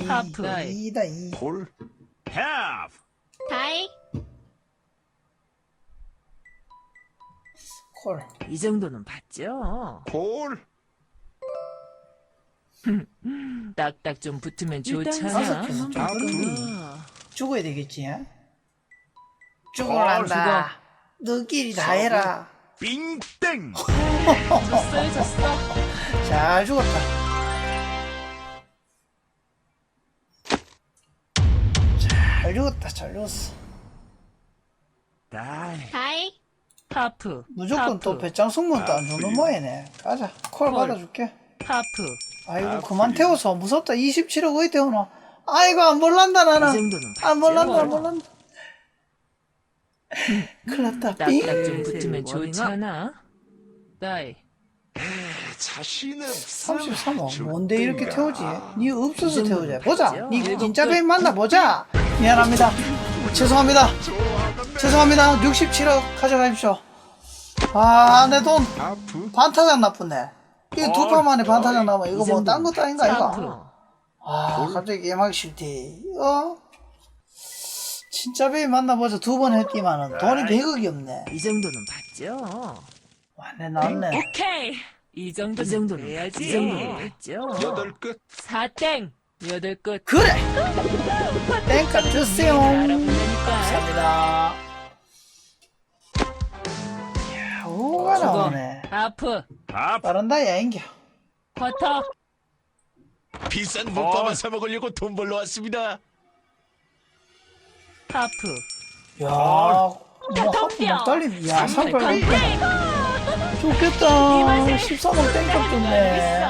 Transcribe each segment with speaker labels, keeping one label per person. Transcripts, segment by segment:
Speaker 1: 하프.
Speaker 2: 이다 이.
Speaker 3: 콜.
Speaker 4: have,
Speaker 1: 다이.
Speaker 2: 콜.
Speaker 5: 이 정도는 봤죠?
Speaker 3: 콜.
Speaker 5: 딱딱 좀 붙으면
Speaker 2: 다섯
Speaker 5: 좋잖아.
Speaker 2: 개는 좀
Speaker 3: 하프.
Speaker 2: 그런데 죽어야 되겠지. 예?
Speaker 3: 죽어.
Speaker 2: 죽을란다. 너끼리 다 해라.
Speaker 3: 빙땡.
Speaker 5: 졌어요, 졌어.
Speaker 2: 잘 죽었다. 잘 죽었다. 잘 죽었어.
Speaker 3: 다이.
Speaker 1: 다이.
Speaker 5: 하프.
Speaker 2: 무조건
Speaker 5: 하프.
Speaker 2: 또 배짱 승문도 안 주는 모양이네. 가자. 콜
Speaker 5: 콜.
Speaker 2: 받아줄게.
Speaker 5: 하프.
Speaker 2: 아이고 그만 태워서 무섭다. 27억 어디 태우노. 아이고 안 몰란다
Speaker 5: 이
Speaker 2: 나는.
Speaker 5: 정도는
Speaker 2: 안 몰란다 안
Speaker 5: 봤죠?
Speaker 2: 몰란다. 큰일 났다.
Speaker 5: 딱딱
Speaker 2: 삥.
Speaker 5: 좀 붙으면 좋잖아. 다이.
Speaker 3: 자신 없어.
Speaker 2: 33억 뭔데 이렇게 태우지? 니 없어서
Speaker 5: 이 정도는
Speaker 2: 태우자. 보자.
Speaker 5: 봤죠?
Speaker 2: 니
Speaker 5: 일곱
Speaker 2: 진짜
Speaker 5: 끝.
Speaker 2: 배인 맞나 보자. 미안합니다. 죄송합니다. 죄송합니다. 67억 가져가십시오. 아, 내 돈
Speaker 3: 하프.
Speaker 2: 반타작 나쁘네. 이거 두 판 만에 반타작 나면 이거
Speaker 5: 이
Speaker 2: 뭐 딴
Speaker 5: 정도는
Speaker 2: 것도 아닌가
Speaker 5: 하프.
Speaker 2: 이거. 아, 갑자기 게임하기 싫대. 진짜 배인 만나보자. 두 번 했지만은 돈이 100억이 없네.
Speaker 5: 이 정도는 봤죠?
Speaker 2: 왔네 나왔네.
Speaker 5: 오케이. 이 정도는 해야지. 이 정도는 했죠?
Speaker 3: 여덟 끝.
Speaker 5: 4땡. 8끝.
Speaker 2: 그래. 땡값 주세요.
Speaker 5: 알아본다니까.
Speaker 2: 감사합니다. 이야, 오가 나오네.
Speaker 5: 하프.
Speaker 4: have,
Speaker 2: 빠른다 야인겨.
Speaker 5: 쿼터.
Speaker 3: 비싼 물밥만 사 먹으려고 돈 벌러 왔습니다.
Speaker 5: 하프.
Speaker 2: 야, 뭐 하프 막 달림. 야, 38 좋겠다. 13억 땡값 좋네.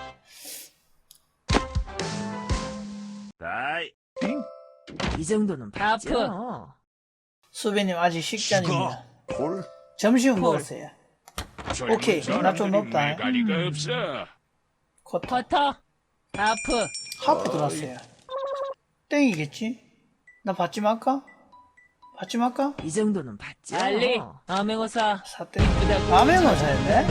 Speaker 4: 다이,
Speaker 5: 이 정도는 봤죠?
Speaker 2: 수배님 아직 식전입니다.
Speaker 3: 콜.
Speaker 2: 점심은 먹었어요. 오케이, 나좀 높다.
Speaker 4: 가리가 없어.
Speaker 2: 쿼터.
Speaker 5: 쿼터. 하프.
Speaker 2: 하프 들어왔어요. 땡이겠지? 나 받지 말까? 받지 말까?
Speaker 5: 이 정도는 봤죠? 알리. 암행어사.
Speaker 2: 사땡. 라면 오사였네?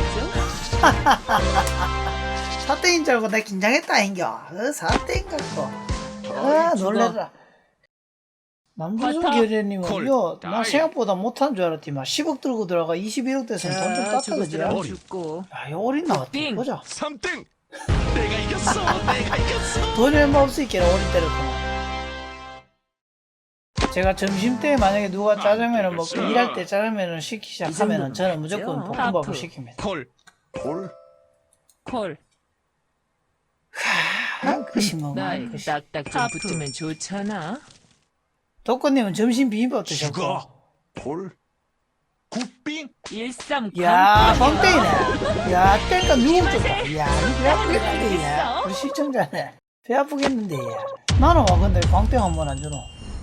Speaker 2: 사땡인 줄 알고 나 긴장했다, 인겨. 사땡 갖고. 아, 놀래라. 남주순
Speaker 5: 쿼터.
Speaker 2: 교련님은,
Speaker 3: 콜.
Speaker 2: 요, 나
Speaker 3: 다이.
Speaker 2: 생각보다 못한 줄 알았지만, 10억 들고 들어가 21억 됐으면 돈 좀 깎아주지라.
Speaker 5: 죽었으면 죽고.
Speaker 2: 야, 이거 어린 나왔다.
Speaker 5: 빙.
Speaker 2: 보자.
Speaker 3: 3등. 내가 이겼어. 내가 이겼어.
Speaker 2: 돈이 얼마 없으니까 어린 때렸구나. 제가 점심 때 만약에 누가 짜장면을 먹고 일할 때 짜장면을 시키기 시작하면은 저는 무조건
Speaker 5: 하프.
Speaker 2: 볶음밥을 시킵니다.
Speaker 3: 콜. 콜.
Speaker 5: 콜.
Speaker 2: 한 끗이 먹어,
Speaker 5: 나이.
Speaker 2: 한 끗이.
Speaker 5: 딱딱 좀 붙으면 좋잖아.
Speaker 2: 덕권님은 점심 비빔밥 드셨고.
Speaker 3: 죽어. 콜. 굿빙.
Speaker 5: 13
Speaker 2: 야, 뻥땡이네. 야, 땡값 누구 줬다. 야, 이거 배 아프겠는데, 야. 우리 시청자네. 배 아프겠는데, 야. 나는 와, 근데 광땡 한 번 안 주노.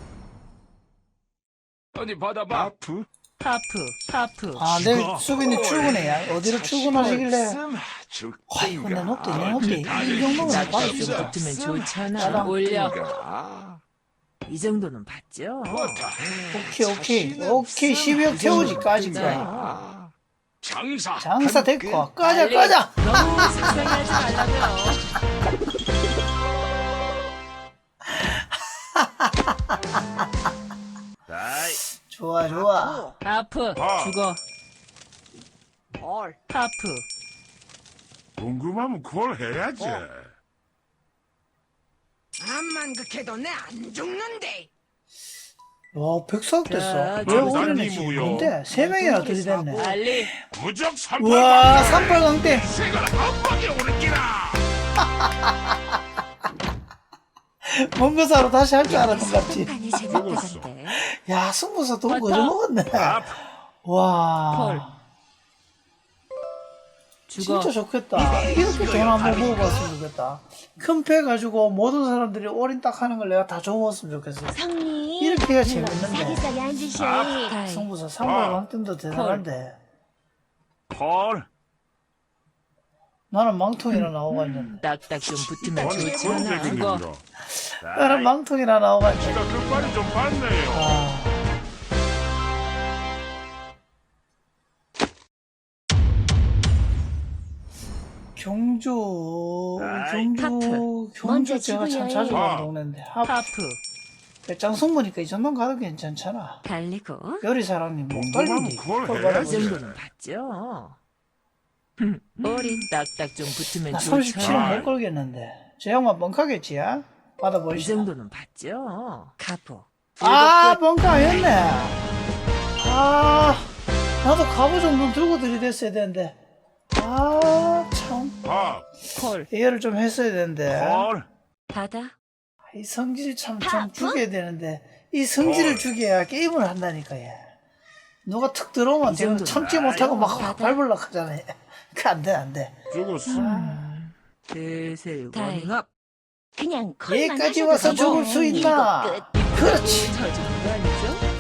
Speaker 4: 어디 받아봐.
Speaker 3: 하프.
Speaker 5: 하프.
Speaker 2: 아, 내일 수빈이 출근해, 야. 어디로 출근하시길래. 아이고, 내 높대, 내 높대. 이 정도면
Speaker 5: 딱딱
Speaker 2: 받을
Speaker 5: 좀
Speaker 2: 수 있다.
Speaker 5: 붙으면 좋잖아.
Speaker 2: 짜장.
Speaker 5: 올려.
Speaker 3: 아.
Speaker 5: 이 정도는 봤죠?
Speaker 2: 오케이. 12억 태우지까지 거야.
Speaker 3: 아.
Speaker 4: 장사.
Speaker 2: 장사 됐고. 꺼져,
Speaker 5: 알리.
Speaker 2: 꺼져.
Speaker 5: 너무 속상해하지 말라고요.
Speaker 4: 다이,
Speaker 2: 좋아, 좋아.
Speaker 5: 하프. 죽어. 하프.
Speaker 4: 궁금하면 콜 해야지.
Speaker 6: 암만 극해도 내 안 죽는데.
Speaker 2: 와, 104억 됐어.
Speaker 5: 자,
Speaker 2: 왜
Speaker 5: 좀
Speaker 2: 올해는
Speaker 4: 싼
Speaker 2: 뭔데? 3명이나 들이댔네.
Speaker 5: 알리.
Speaker 4: 무적 3번.
Speaker 2: 우와, 38강대.
Speaker 4: 세걸 한 방에 오는 기라.
Speaker 2: 먼거 사러 다시 할 줄 알았던 것 같지.
Speaker 1: 아니
Speaker 4: 죽었어.
Speaker 1: 재밌다던데.
Speaker 2: 야, 승부사 돈
Speaker 5: 맞다.
Speaker 2: 거저 먹었네.
Speaker 4: 하프,
Speaker 2: 와.
Speaker 5: 콜. 죽어.
Speaker 2: 진짜 좋겠다. 이렇게 돈 한번 먹어봤으면 좋겠다. 큰 패 가지고 모든 사람들이 올인 딱 하는 걸 내가 다 줘먹었으면 좋겠어.
Speaker 1: 성님.
Speaker 2: 이렇게 해야 재밌는데.
Speaker 1: 사기사기 앉으셔. 다이.
Speaker 2: 승부사 38강대도 대단한데.
Speaker 4: 콜.
Speaker 2: 나는 망통이나 나오고 있는데.
Speaker 5: 딱딱 좀 붙으면
Speaker 4: 아니, 그런
Speaker 5: 좋잖아.
Speaker 4: 얘기는
Speaker 5: 죽어.
Speaker 4: 이거.
Speaker 2: 나는
Speaker 4: 다이,
Speaker 2: 망통이나 나오고 있는데.
Speaker 4: 제가 끝발이 좀 봤네요.
Speaker 2: 아. 경주,
Speaker 4: 아이,
Speaker 2: 경주
Speaker 1: 먼저
Speaker 2: 제가 참
Speaker 1: 지구여행.
Speaker 2: 자주
Speaker 4: 아.
Speaker 2: 가는 동네인데.
Speaker 5: 하프.
Speaker 2: 배짱 보니까 이 정도는 가도 괜찮잖아.
Speaker 1: 달리고.
Speaker 2: 요리사랑님 목
Speaker 4: 궁금하면
Speaker 2: 달린디.
Speaker 4: 그걸
Speaker 2: 그걸
Speaker 4: 해.
Speaker 5: 이
Speaker 2: 받아보자.
Speaker 5: 정도는 봤죠. 어린 딱딱 좀 붙으면
Speaker 2: 나
Speaker 5: 좋죠.
Speaker 2: 37은 못 걸겠는데. 저 양반 뻥카겠지, 야?
Speaker 5: 이
Speaker 2: 받아보시죠.
Speaker 5: 정도는 봤죠. 가포.
Speaker 2: 아, 뻥카였네. 아, 나도 갑오 정도는 들고 들이댔어야 되는데. 아, 참.
Speaker 4: 밥,
Speaker 5: 콜.
Speaker 2: 이해를 좀 했어야 되는데.
Speaker 4: 콜,
Speaker 1: 바다.
Speaker 2: 이 성질 좀 죽여야 되는데. 이 성질을 죽여야 게임을 한다니까, 얘. 누가 툭 들어오면 제가
Speaker 5: 정도는
Speaker 2: 참지 못하고 막
Speaker 1: 맞아.
Speaker 2: 밟으려고 하잖아. 그 안 돼, 안 돼.
Speaker 4: 죽었어.
Speaker 5: 슬슬
Speaker 1: 다이.
Speaker 5: 워밍업.
Speaker 1: 그냥 콜만
Speaker 2: 얘까지
Speaker 1: 하셔도
Speaker 2: 와서
Speaker 1: 되고.
Speaker 2: 죽을 수 있나?
Speaker 1: 이거 끝.
Speaker 2: 그렇지.
Speaker 5: 쳐주는 거 아니죠?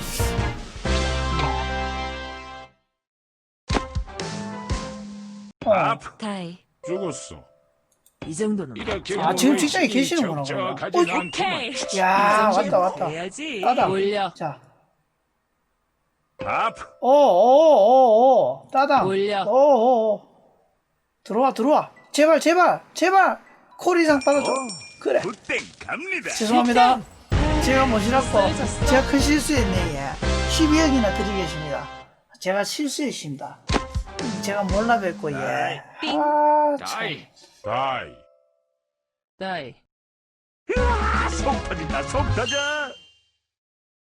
Speaker 4: 밥,
Speaker 1: 다이.
Speaker 4: 죽었어.
Speaker 5: 이 정도는
Speaker 3: 이렇게
Speaker 2: 아, 지금
Speaker 3: 보고
Speaker 2: 직장에
Speaker 3: 있으니
Speaker 2: 계시는구나, 그러면.
Speaker 3: 적적하진
Speaker 2: 어이,
Speaker 3: 않구만.
Speaker 5: 오케이.
Speaker 2: 야,
Speaker 5: 이 정도는
Speaker 2: 왔다, 왔다.
Speaker 5: 돼야지.
Speaker 2: 따다.
Speaker 5: 올려.
Speaker 2: 자,
Speaker 4: 밥,
Speaker 2: 오오오오 따당.
Speaker 5: 올려.
Speaker 2: 오오오 들어와 들어와. 제발 제발 제발 콜 이상 받아줘. 그래.
Speaker 4: 굿땡 갑니다.
Speaker 2: 죄송합니다. 제가 모시라고
Speaker 5: 졌어.
Speaker 2: 제가 큰 실수했네. 예. 12억이나 드리겠습니다. 제가 실수했습니다. 제가 몰라 뵙고 예. 아, 참.
Speaker 3: 다이.
Speaker 4: 다이.
Speaker 5: 다이.
Speaker 4: 속 터진다, 속 터져.